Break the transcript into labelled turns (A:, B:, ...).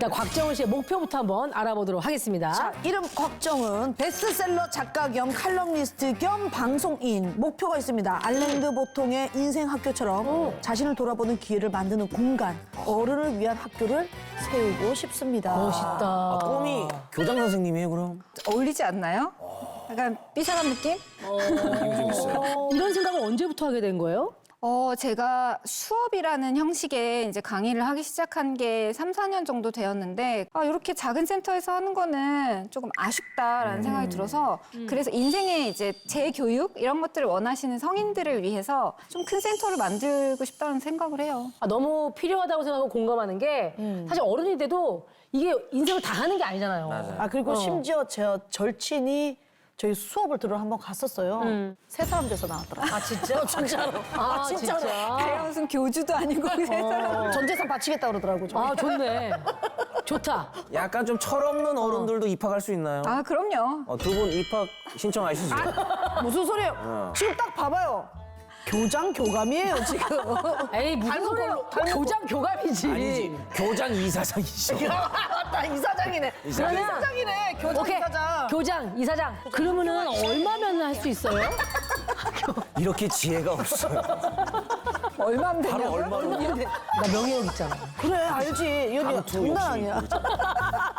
A: 일단 곽정은 씨의 목표부터 한번 알아보도록 하겠습니다.
B: 자, 이름 곽정은 베스트셀러 작가 겸 칼럼니스트 겸 방송인. 목표가 있습니다. 알랭드 보통의 인생 학교처럼 자신을 돌아보는 기회를 만드는 공간, 어른을 위한 학교를 세우고 싶습니다.
A: 멋있다.
C: 꿈이 교장 선생님이에요, 그럼?
D: 어울리지 않나요? 약간 삐사한 느낌?
C: 느낌이 좀 있어요.
A: 이런 생각을 언제부터 하게 된 거예요?
D: 제가 수업이라는 형식의 이제 강의를 하기 시작한 게 3, 4년 정도 되었는데, 이렇게 작은 센터에서 하는 거는 조금 아쉽다라는 생각이 들어서, 그래서 인생의 이제 재교육? 이런 것들을 원하시는 성인들을 위해서 좀 큰 센터를 만들고 싶다는 생각을 해요.
A: 너무 필요하다고 생각하고 공감하는 게 사실 어른이 돼도 이게 인생을 다 하는 게 아니잖아요.
C: 맞아요.
B: 아, 그리고 심지어 제 절친이 저희 수업을 들으러 한번 갔었어요. 세 사람 돼서 나왔더라고요.
A: 아 진짜? 진짜로? 아
B: 진짜로.
D: 내가 무슨 교주도 아니고
B: 전 재산 바치겠다 그러더라고요. 저희.
A: 아 좋네. 좋다.
C: 약간 좀 철없는 어른들도 입학할 수 있나요?
D: 그럼요.
C: 두 분 입학 신청하시죠.
B: 무슨 소리예요? 지금 딱 봐봐요. 교장 교감이에요, 지금.
A: 에이 무슨
B: 닮은
A: 소리야?
B: 걸로, 닮은
A: 교장 교감이지.
C: 아니지, 교장 이사장이시죠.
B: 맞다, 이사장이네.
A: 그러면
B: 이사장이네, 교장
A: 오케이.
B: 이사장.
A: 교장 이사장. 그러면은 얼마면 할 수 있어요?
C: 이렇게 지혜가 없어요.
D: 얼마면
C: 바로
D: 되냐고요?
C: 얼마로?
A: 나 명예욕 있잖아.
B: 그래, 알지. 이 언니
C: 강투
B: 장난
C: 역시.
B: 아니야.